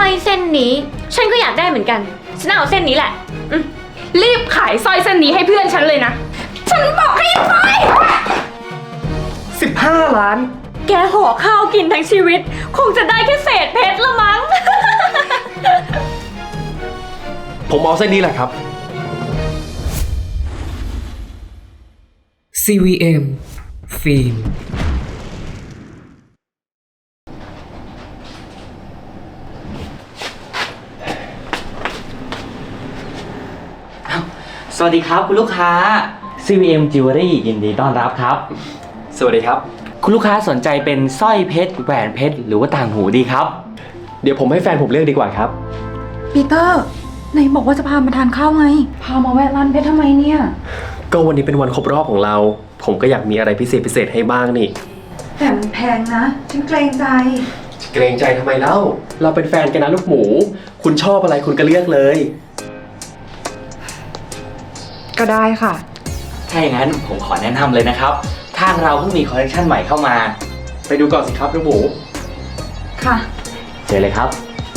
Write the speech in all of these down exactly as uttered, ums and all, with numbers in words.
อยเส้นนี้ฉันก็อยากได้เหมือนกันฉันเอาเส้นนี้แหละรีบขายสร้อยเส้นนี้ให้เพื่อนฉันเลยนะฉันบอกให้ไปสิบห้าล้านแกห่อข้าวกินทั้งชีวิตคงจะได้แค่เศษเพชรละมั้งผมเอาเส้นนี้แหละครับซี วี เอ็ม ฟิล์มสวัสดีครับคุณลูกค้า ซี วี เอ็ม Jewelry ยินดีต้อนรับครับสวัสดีครับคุณลูกค้าสนใจเป็นสร้อยเพชรแหวนเพชรหรือว่าต่างหูดีครับเดี๋ยวผมให้แฟนผมเลือกดีกว่าครับปีเตอร์ไหนบอกว่าจะพามาทานข้าวไงพามาแวะร้านเพชรทำไมเนี่ยก็วันนี้เป็นวันครบรอบของเราผมก็อยากมีอะไรพิเศษพิเศษให้บ้างนี่แต่มันแพงนะฉันเกรงใจเกรงใจทำไมเล่าเราเป็นแฟนกันนะลูกหมูคุณชอบอะไรคุณก็เลือกเลยก็ได้ค่ะถ้าอย่างนั้นผมขอแนะนำเลยนะครับทางเราเพิ่งมีคอลเลคชันใหม่เข้ามาไปดูก่อนสิครับลูกหมูค่ะเชิญเลยครับ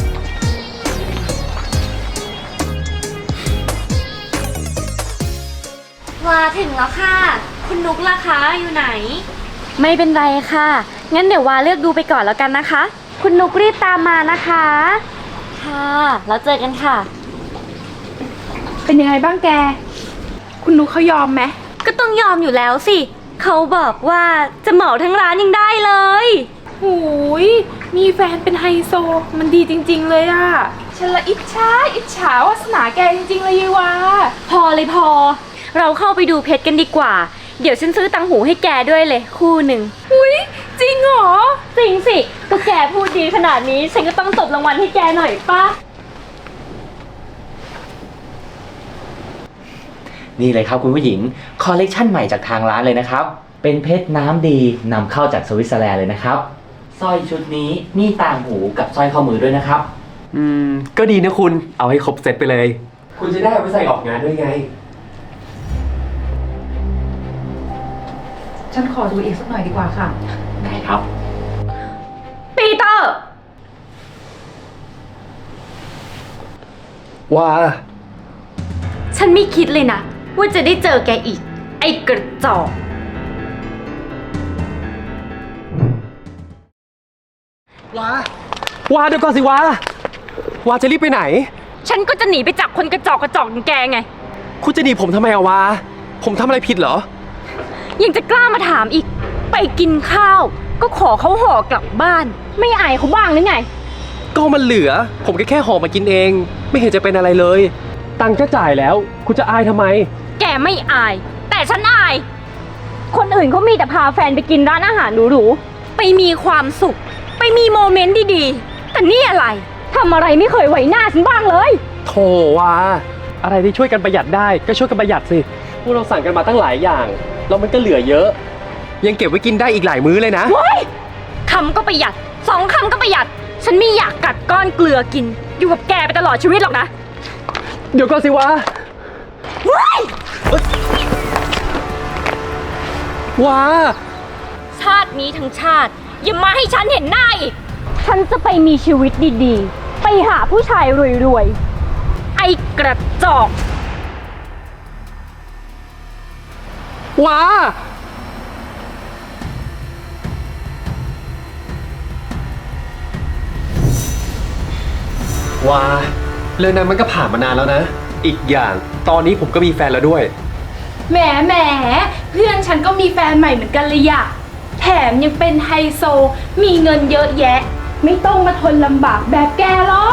มาถึงแล้วค่ะคุณนุกล่ะคะอยู่ไหนไม่เป็นไรค่ะงั้นเดี๋ยววาเลือกดูไปก่อนแล้วกันนะคะคุณนุกรีบตามมานะคะค่ะแล้วเจอกันค่ะเป็นยังไงบ้างแกคุณนุกเขายอมไหมก็ต้องยอมอยู่แล้วสิเขาบอกว่าจะเหมาทั้งร้านยังได้เลยหูยมีแฟนเป็นไฮโซมันดีจริงๆเลยอะฉันละอิจฉาอิจฉาวาสนาแกจริงๆเลยยีวาพอเลยพอเราเข้าไปดูเพชรกันดีกว่าเดี๋ยวฉันซื้อตังหูให้แกด้วยเลยคู่หนึ่งอุ้ยจริงเหรอจริงสิก็แกพูดดีขนาดนี้ฉันก็ต้องตบรางวัลให้แกหน่อยป่ะนี่เลยครับคุณผู้หญิงคอลเลคชันใหม่จากทางร้านเลยนะครับเป็นเพชรน้ำดีนำเข้าจากสวิตเซอร์แลนด์เลยนะครับสร้อยชุดนี้มีต่างหูกับสร้อยข้อมือด้วยนะครับอืมก็ดีนะคุณเอาให้ครบเซตไปเลยคุณจะได้เอาไปใส่ออกงานด้วยไงฉันขอดูอีกสักหน่อยดีกว่าค่ะได้ครับปีเตอร์ว่าฉันไม่คิดเลยนะว่าจะได้เจอแกอีกไอ้กระจอกว้าว้าเดี๋ยวก่อนสิว้าว้าจะรีบไปไหนฉันก็จะหนีไปจากคนกระจอกกระจอกอย่างแกไงคุณจะหนีผมทำไมอะว้าผมทำอะไรผิดเหรอยังจะกล้ามาถามอีกไปกินข้าวก็ขอเขาห่อกลับบ้านไม่อายเขาบ้างหรือไงก็มันเหลือผมก็แค่ห่อมากินเองไม่เห็นจะเป็นอะไรเลยตังค์ก็จ่ายแล้วคุณจะอายทำไมแกไม่อายแต่ฉันอายคนอื่นเขามีแต่พาแฟนไปกินร้านอาหารหรูๆไปมีความสุขไปมีโมเมนต์ดีๆแต่นี่อะไรทำอะไรไม่เคยไหวหน้าฉันบ้างเลยโธ่ว่าอะไรที่ช่วยกันประหยัดได้ก็ช่วยกันประหยัดสิพวกเราสั่งกันมาตั้งหลายอย่างแล้วมันก็เหลือเยอะยังเก็บไว้กินได้อีกหลายมื้อเลยนะว้ายคำก็ประหยัดสองคำก็ประหยัดฉันไม่อยากกัดก้อนเกลือกินอยู่กับแกไปตลอดชีวิตหรอกนะเดี๋ยวก่อนสิวะว้ายว้าชาตินี้ทั้งชาติอย่ามาให้ฉันเห็นหน้าอีกฉันจะไปมีชีวิตดีๆไปหาผู้ชายรวยๆไอ้กระจอกว้าว้าเรื่องนั้นมันก็ผ่านมานานแล้วนะอีกอย่างตอนนี้ผมก็มีแฟนแล้วด้วยแหมแหมเพื่อนฉันก็มีแฟนใหม่เหมือนกันเลยอะแถมยังเป็นไฮโซมีเงินเยอะแยะไม่ต้องมาทนลำบากแบบแกหรอก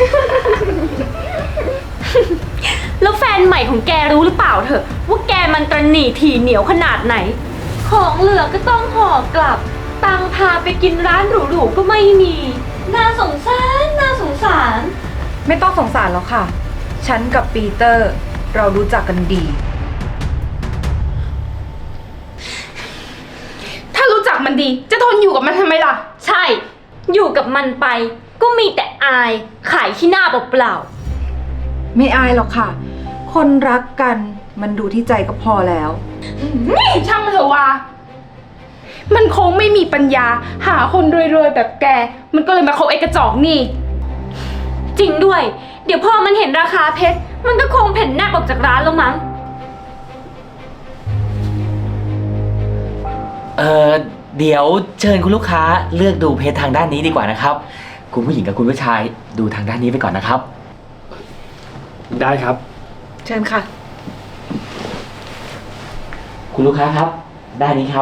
แล้วแฟนใหม่ของแกรู้หรือเปล่าเถอะว่าแกมันตระหนี่ถี่เหนียวขนาดไหนของเหลือก็ต้องห่อกลับตังพาไปกินร้านหรูๆก็ไม่มีน่าสงสารน่าสงสารไม่ต้องสงสารหรอกค่ะฉันกับปีเตอร์เรารู้จักกันดีถ้ารู้จักมันดีจะทนอยู่กับมันทำไมล่ะใช่อยู่กับมันไปก็มีแต่อายขายขี้หน้าเปล่าๆไม่อายหรอกค่ะคนรักกันมันดูที่ใจก็พอแล้วนี่ช่างมันเถอะวะมันคงไม่มีปัญญาหาคนรวยๆแบบแกมันก็เลยมาคบไอ้กระจอกนี่จริงด้วย เดี๋ยวพอมันเห็นราคาเพชร มันก็คงเพ่นแนบออกจากร้านแล้วมั้งเออเดี๋ยวเชิญคุณลูกค้าเลือกดูเพจทางด้านนี้ดีกว่านะครับ คุณผู้หญิงกับคุณผู้ชายดูทางด้านนี้ไปก่อนนะครับได้ครับเชิญค่ะคุณลูกค้าครับ ด้านนี้ครับ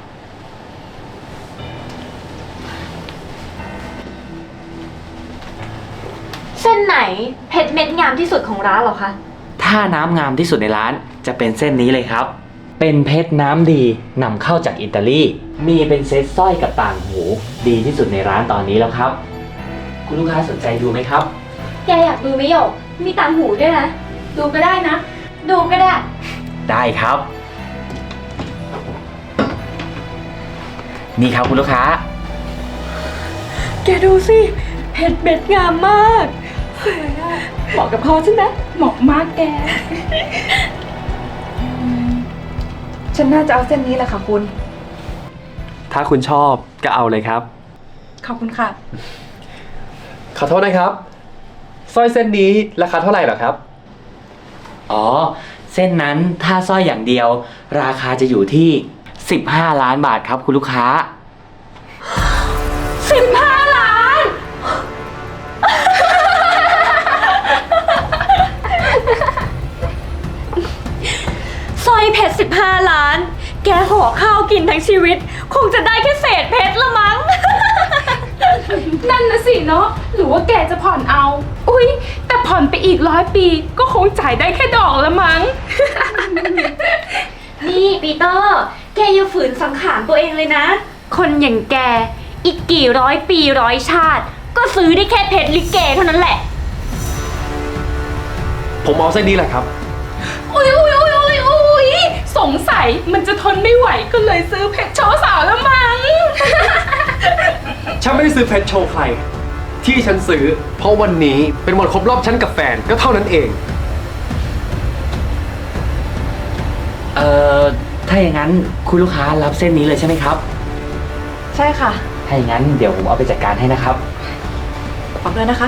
เส้นไหนเพชรเม็ดงามที่สุดของร้านเหรอคะถ้าน้ำงามที่สุดในร้านจะเป็นเส้นนี้เลยครับ เป็นเพชรน้ำดีนำเข้าจากอิตาลี มีเป็นเซตสร้อยกับต่างหู ดีที่สุดในร้านตอนนี้แล้วครับ คุณลูกค้าสนใจดูไหมครับแกอยากดูไหมหยก มีต่างหูด้วยนะดูก็ได้นะดูก็ได้ได้ครับ นี่ครับคุณลูกค้าแกดูสิ เพชรเม็ดงามมาก เหมาะกับคอฉันนะเหมาะมากแกฉันน่าจะเอาเส้นนี้แหละค่ะคุณถ้าคุณชอบก็เอาเลยครับขอบคุณค่ะขอโทษนะครับสร้อยเส้นนี้ราคาเท่าไหร่เหรอครับอ๋อ เส้นนั้นถ้าสร้อยอย่างเดียว ราคาจะอยู่ที่ สิบห้า ล้านบาทครับคุณลูกค้าสิบห้าล้าน สร้อยเพชรสิบห้าล้าน แกห่อข้าวกินทั้งชีวิต คงจะได้แค่เศษเพชรละมั้งนั่นนะสิเนาะ หรือว่าแกจะผ่อนเอา อุ๊ย แต่ผ่อนไปอีกร้อยปีก็คงจ่ายได้แค่ดอกละมั้งนี่ปีเตอร์ แกอย่าฝืนสังขารตัวเองเลยนะ คนอย่างแก อีกกี่ร้อยปีร้อยชาติ ก็ซื้อได้แค่เพชรลิเกเท่านั้นแหละผมเอาเส้นนี้แหละครับอุ๊ยอุ๊ยอุ๊ยอุ๊ยอุ๊ยสงสัยมันจะทนไม่ไหวก็เลยซื้อเพชรโชว์สาวละมั้งฉันไม่ได้ซื้อเพชรโชว์ใคร ที่ฉันซื้อ เพราะวันนี้เป็นวันครบรอบฉันกับแฟนก็เท่านั้นเองเอ่อ ถ้าอย่างนั้นคุณลูกค้ารับเส้นนี้เลยใช่ไหมครับใช่ค่ะถ้าอย่างนั้นเดี๋ยวผมเอาไปจัดการให้นะครับขอบเลยนะคะ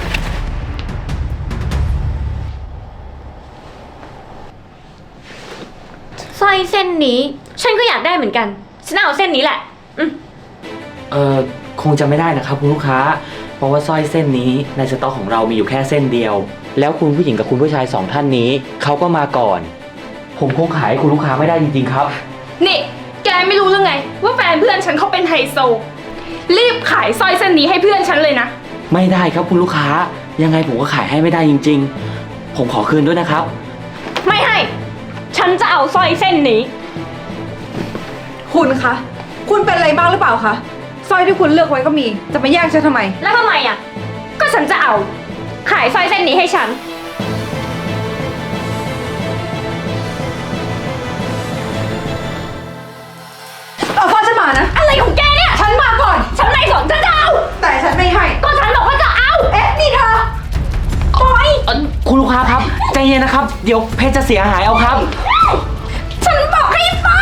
สร้อยเส้นนี้ ฉันก็อยากได้เหมือนกัน ฉันเอาเส้นนี้แหละ อืมเอ่อ คงจะไม่ได้นะครับคุณลูกค้า เพราะว่าสร้อยเส้นนี้ในสต็อกของเรามีอยู่แค่เส้นเดียว แล้วคุณผู้หญิงกับคุณผู้ชายสองท่านนี้เขาก็มาก่อน ผมคงขายให้คุณลูกค้าไม่ได้จริงๆครับนี่ แกไม่รู้หรือไง ว่าแฟนเพื่อนฉันเขาเป็นไฮโซ รีบขายสร้อยเส้นนี้ให้เพื่อนฉันเลยนะไม่ได้ครับคุณลูกค้า ยังไงผมก็ขายให้ไม่ได้จริง ๆ ผมขอคืนด้วยนะครับไม่ให้ ฉันจะเอาสร้อยเส้นนี้คุณคะ คุณเป็นอะไรบ้างหรือเปล่าคะสร้อยที่คุณเลือกไว้ก็มี จะมาแย่งฉันทำไมแล้วทำไมอ่ะ ก็ฉันจะเอา ขายสร้อยเส้นนี้ให้ฉันเอาสร้อยฉันมานะอะไรของแกเนี่ยฉันมาก่อนฉันไม่สนฉันจะเอาแต่ฉันไม่ให้ก็ฉันบอกว่าจะเอาเอ๊ะ นี่เธอปล่อยเอ่อคุณลูกค้าครับใจเย็นนะครับ เดี๋ยวเพชรจะเสียหายเอาครับฉันบอกให้ปล่อย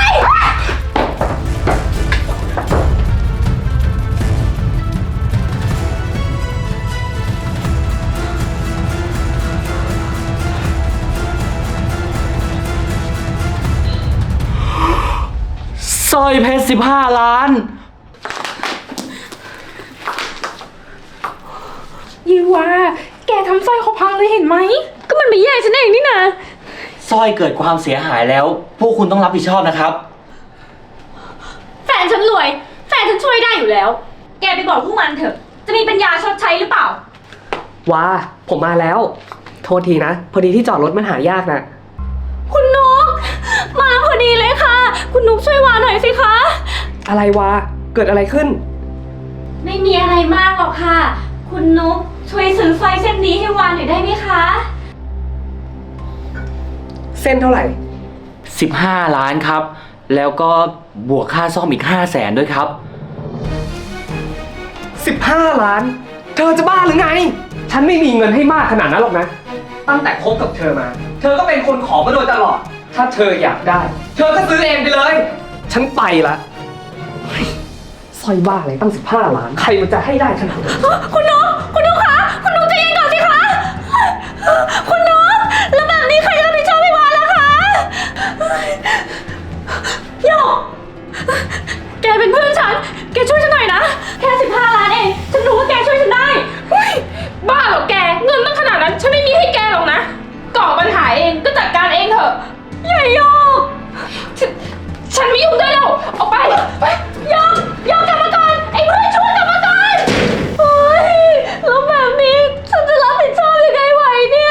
สร้อยเพชรสิบห้าล้านยีว่า แกทำสร้อยเขาพังเลยเห็นไหมก็มันไม่แย่งฉันเองนี่นะสร้อยเกิดความเสียหายแล้ว พวกคุณต้องรับผิดชอบนะครับแฟนฉันรวย แฟนฉันช่วยได้อยู่แล้ว แกไปบอกพวกมันเถอะ จะมีปัญญาชดใช้หรือเปล่าว้า ผมมาแล้ว โทษทีนะ พอดีที่จอดรถมันหายากนะคุณนุกมาพอดีเลยค่ะ คุณนุกช่วยวาหน่อยสิคะอะไรวะ เกิดอะไรขึ้นไม่มีอะไรมากหรอกค่ะ คุณนุกช่วยซื้อสร้อยเส้นนี้ให้วานหน่อยได้ไหมคะเส้นเท่าไหร่สิบห้า ล้านครับ แล้วก็บวกค่าซ่อมอีก ห้าแสนด้วยครับสิบห้า ล้าน เธอจะบ้าหรือไง ฉันไม่มีเงินให้มากขนาดนั้นหรอกนะ ตั้งแต่คบกับเธอมา เธอก็เป็นคนขอมาโดยตลอด ถ้าเธออยากได้ เธอก็ซื้อเองไปเลย ฉันไปละเฮ้ยสร้อยบ้าอะไรตั้งสิบห้า ล้าน ใครมันจะให้ได้ขนาดนั้นคุณนุกคุณนุกคะ คุณนุกใจเย็นก่อนสิคุณน้องแล้วแบบนี้ใครจะรับผิดชอบพี่วานล่ะคะโยกแกเป็นเพื่อนฉัน แกช่วยฉันหน่อยนะ แค่สิบห้าล้านเอง ฉันรู้ว่าแกช่วยฉันได้เฮ้ยบ้าเหรอแก เงินตั้งขนาดนั้นฉันไม่มีให้แกหรอกนะก่อปัญหาเองก็จัดการเองเถอะใหญ่โยกฉันฉันไม่ยุ่งด้วยแล้วออกไปไปโยกโยกกลับมาก่อน ไอ้เพื่อนช่วยกลับมาก่อนโอ้ยแล้วแบบนี้ฉันจะรับผิดชอบยังไงไหวเนี่ย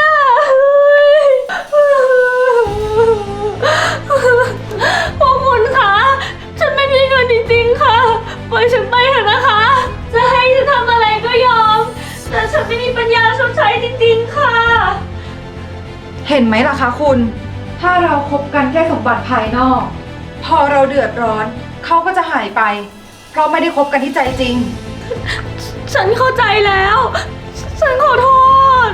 พวกคุณคะฉันไม่มีเงินจริงๆค่ะปล่อยฉันไปเถอะนะคะ จะให้ฉันทำอะไรก็ยอม แต่ฉันไม่มีปัญญาชดใช้จริงๆค่ะเห็นไหมล่ะคะคุณ ถ้าเราคบกันแค่สมบัติภายนอก พอเราเดือดร้อน เขาก็จะหายไป เพราะไม่ได้คบกันที่ใจจริงฉันเข้าใจแล้ว ฉันขอโทษ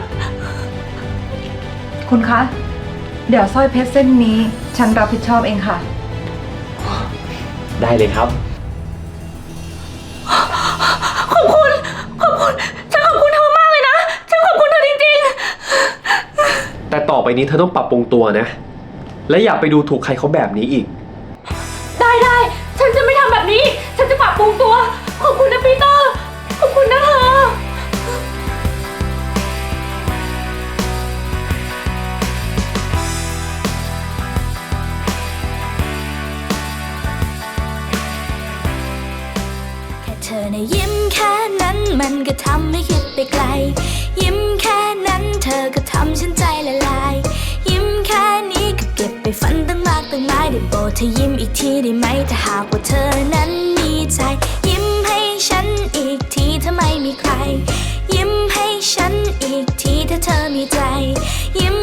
คุณคะ เดี๋ยวสร้อยเพชรเส้นนี้ ฉันรับผิดชอบเองค่ะได้เลยครับขอบคุณ ขอบคุณ ฉันขอบคุณเธอมากเลยนะ ฉันขอบคุณเธอจริงแต่ต่อไปนี้เธอต้องปรับปรุงตัวนะ และอย่าไปดูถูกใครเขาแบบนี้อีกๆ ได้ได้ ฉันจะไม่ทำแบบนี้ ฉันจะปรับปรุงตัว ขอบคุณนะปีเตอร์ ขอบคุณนะเธอแค่เธอในะยิ้มแค่นั้นมันก็ทำให้คิดไปไกล ยิ้มแค่นั้นเธอก็ทำฉันใจละลาย ยิ้มแค่นี้ก็เก็บไปฝันตั้งมากตั้งหลายได้โปรดเธอยิ้มอีกทีได้ไหมถ้าหากว่าเธอนั้นมีใจ ยิ้มให้ฉันอีกทีถ้าไม่มีใคร ยิ้มให้ฉันอีกทีถ้าเธอมีใจ ยิ้ม